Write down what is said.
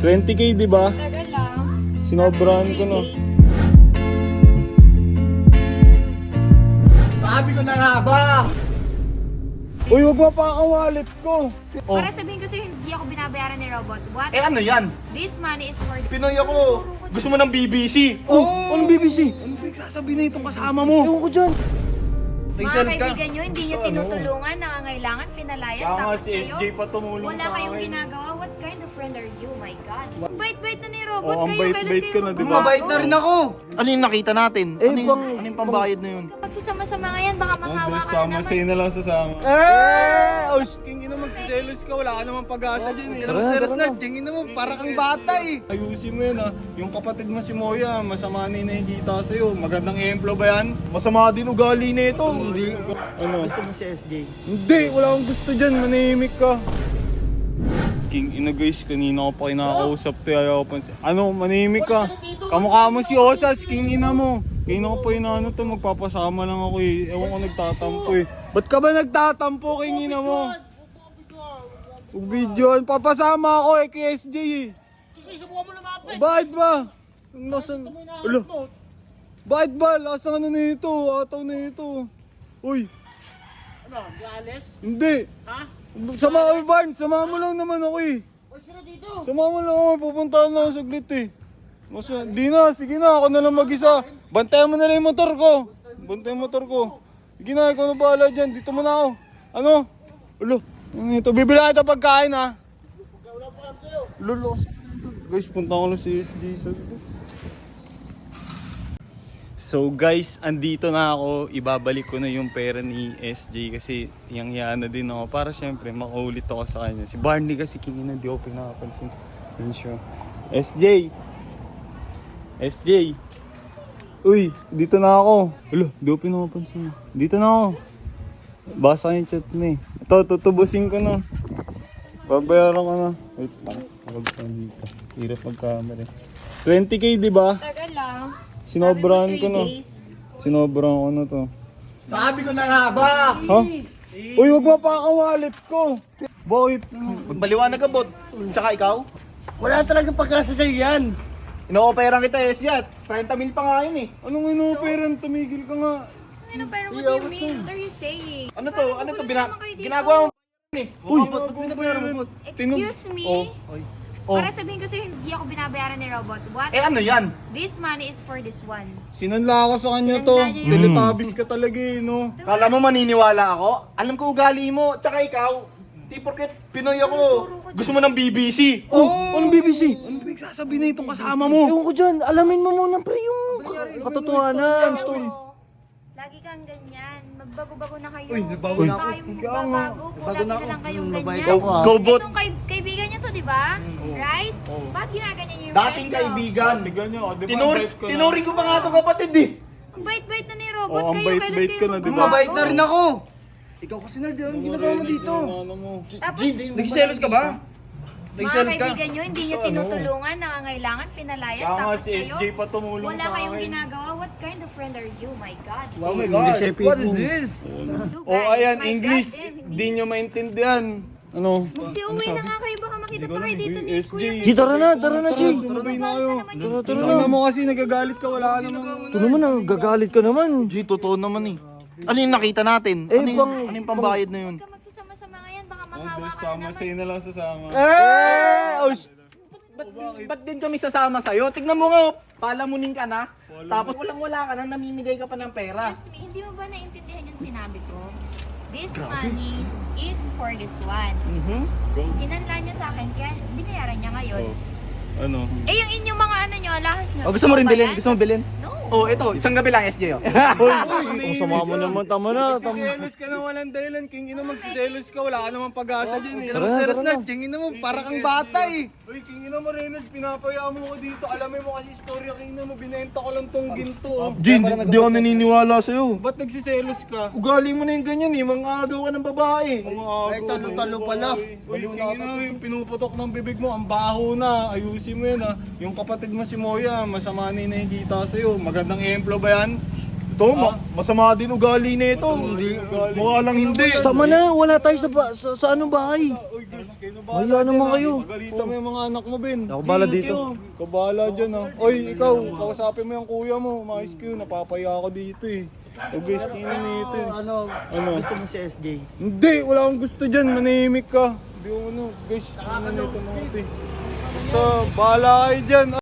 20k, di ba? Tagal lang. Sinobrahan ko no. Sabi ko na nga ba? Uy, wag mo pa ang wallet ko. Para sabihin ko sa'yo, hindi ako binabayaran ni Robot. What? Eh ano yan? This money is for... Pinoy ako. Gusto mo ng BBC? Oh, anong BBC? Ano ba sasabihin na itong kasama mo? Ewan ko dyan. Mga Nag-sales ka? kaibigan nyo, hindi nyo tinutulungan, nangangailangan, pinalayas, Kaya nga tapos si SJ kayo, pa tumulong wala sa kayong akin. ginagawa. What kind of friend are you? My God. Bait-bait na ni Robot. Oh, ang kayo, bait-bait kailan ko na, kayo di ba? Mabait na rin ako. Ano yung nakita natin? Eh, Ano yung pambayad na yun? Magsasama-sama nga yan, baka manghawa ka na naman. na lang sasama. Eh! Oh, king ina magsiselos ka. Wala ka naman pag-asa dyan eh. Ano si Resnard? Tingin mo, para kang bata eh. Ayusin mo yun ah. Yung kapatid mo si Moya, masama na yung nakikita sa'yo. Magandang emplo ba yan? Masama din ugali na ito. Hindi. Ano? Gusto mo si SJ? Hindi, wala akong gusto dyan. Manahimik ka. King ina guys, kanina ko pa kinakausap to. Ayaw pa. Ano, manahimik ka. Kamukha mo si Osas, king ina mo. Kanina ko pa inaano to, magpapasama lang ako eh. Ewan ko nagtatampo eh. Ba't ka ba nagtatampo, king ina mo? Video, papasama ako eh kay SJ eh. Bakit ba? Nasaan? Ulo. Bakit ba? Lasang ano na ito? Ataw na ito. Uy. Ano? Gales? Hindi. Ha? Sama ko, Barnes. Sama mo lang naman ako eh. What's na dito? Sama mo lang ako. Pupuntahan na ako saglit eh. Di na. Sige na. Ako na lang mag-isa. Bantayan mo na lang yung motor ko. Bantayan yung motor ko. Sige na. Ikaw na bahala dyan. Dito mo na ako. Ano? Ulo. Ano ito? Bibila kita pagkain ha. Wala pa kami sa'yo. Lolo. Guys, punta ko lang si SJ. So guys, andito na ako. Ibabalik ko na yung pera ni SJ kasi yang na din ako para syempre makaulit ako sa kanya. Si Barney kasi kinina di ako pinapansin. Yun siya. SJ! SJ! Uy, dito na ako. Ulo, di ako pinapansin. Dito na ako. Basa yung chat mo eh. Ito, tutubusin ko na. Babayaran ko na. Wait lang. Huwag ka dito. Hirap mag-camera. 20k di ba? Tagal lang. Sinobrahan ko 3 na. days. Sinobrahan ko na to. Sabi ko na nga ba? Ha? Uy, wag mo pa ang wallet ko. Bakit? Magbaliwanag ka, bot. Tsaka ikaw? Wala talagang pagkasa sa'yo yan. Ino-operan kita, SJ. 30 mil pa nga yun eh. Anong inoperan? Tumigil ka nga. Ano, pero what do you mean? What are you saying? Ano to? Ano to? Magugulo naman kayo dito. Ginagawa mo eh. Uy, Ba't binabayaran mo? Excuse me? Oh. Para sabihin ko sa'yo, hindi ako binabayaran ni Robot. What? Eh ano yan? This money is for this one. Sinanla ako sa kanya to. Sinanla niya yun. Teletabis ka talaga eh, no? Kala mo maniniwala ako? Alam ko ugali mo. Tsaka ikaw, di porket Pinoy ako. Gusto mo ng BBC? Oh, anong BBC? Ano ba sasabihin na itong kasama mo? Ewan ko dyan. Alamin mo muna pre yung katotohanan. Oo. Lagi kang ganyan. Magbago-bago na kayo. Uy, nagbago na ako. Kayong magbabago. Kung lagi na lang kayong ganyan. Go, bot. Itong kaibigan niyo to, di ba? Right? Bakit ginaganyan niyo yung Dating friend niyo? kaibigan. Tignan nyo, di ba? Tinuring ko pa nga itong kapatid eh. Ang bait-bait na ni Robot. Oo, ang kayo, kailan bait-bait kayo ka na, di ba? magbabago? Mabait na rin ako. Ikaw kasi nerd yun. Ginagawa mo dito. Ano mo? Tapos, Nagselos ka ba? mga Nagselos ka? kaibigan nyo, hindi nyo tinutulungan, nangangailangan, pinalayas, Kaya nga tapos si SJ kayo, pa tumulong wala sa kayong akin. ginagawa. What kind of friend are you? My God. Oh my God. What is this? You Oh, guys, ayan, my English. God, hindi. Di nyo maintindihan. Ano? Magsiuwi na nga kayo, baka makita pa kayo dito ni SJ. Kuya. G, tara na, G. Tumabay na kayo. Tara, Tingnan mo kasi nagagalit ka. Wala ka naman. Ito naman, gagalit ka naman. G, totoo naman eh. Ano yung nakita natin? Eh, Ano yung pambayad na yun? Ka magsasama-sama nga yan, baka manghawa ka Sama na naman. sa'yo na lang sasama. Ba't din kami sasama sa'yo? Tignan mo nga, palamunin ka na. Tapos walang-wala ka na, namimigay ka pa ng pera. Excuse me, hindi mo ba naintindihan yung sinabi ko? This money is for this one. Sinanla niya sa akin, kaya binayaran niya ngayon. Ano? Eh, yung inyong mga ano nyo, lahas nyo. Oh, gusto mo rin ba bilhin? yan? Gusto mo bilhin? No. Oh, ito, isang gabi lang, SJ. Oh. Ang sama mo naman, tama na. Magsiselos ka na walang dahilan. King ina magsiselos ka. Wala ka naman pag-asa dyan eh. Tara na, tara na. Tingin mo, para kang bata eh. Uy, King ina mo Reynolds, pinapaya mo ko dito. Alamin mo kasi istorya, King ina mo. Binenta ko lang tong ginto. Oh. Jin, di ako naniniwala sa'yo. Ba't nagsiselos ka? Ugali mo na yung ganyan eh, mga agaw ka ng babae. Ay, talo-talo pala. Uy, King ina, yung pinuputok ng bibig mo, ang baho na. Ayusin mo yan ha. Yung kapatid mo si Moya, masama na yung nakikita sa'yo. Magandang emplo ba yan? To, masama din ugali nito. Mukha lang hindi. Tama na, wala tayo sa anong bahay. Uy, girls, kayo na Wala naman kayo. Magalitan mo yung mga anak mo, Ben. Ako bala dito. Ikaw bahala dyan, ha. Oy, ikaw, kausapin mo yung kuya mo. Mais Q, napapaya ako dito, eh. O guys, tingnan nito. Ano? Ano? Gusto mo si SJ? Hindi, wala akong gusto dyan. Manahimik ka. Hindi mo ano. Guys, tingnan nito mga ito, eh. Basta, bahala kayo dyan.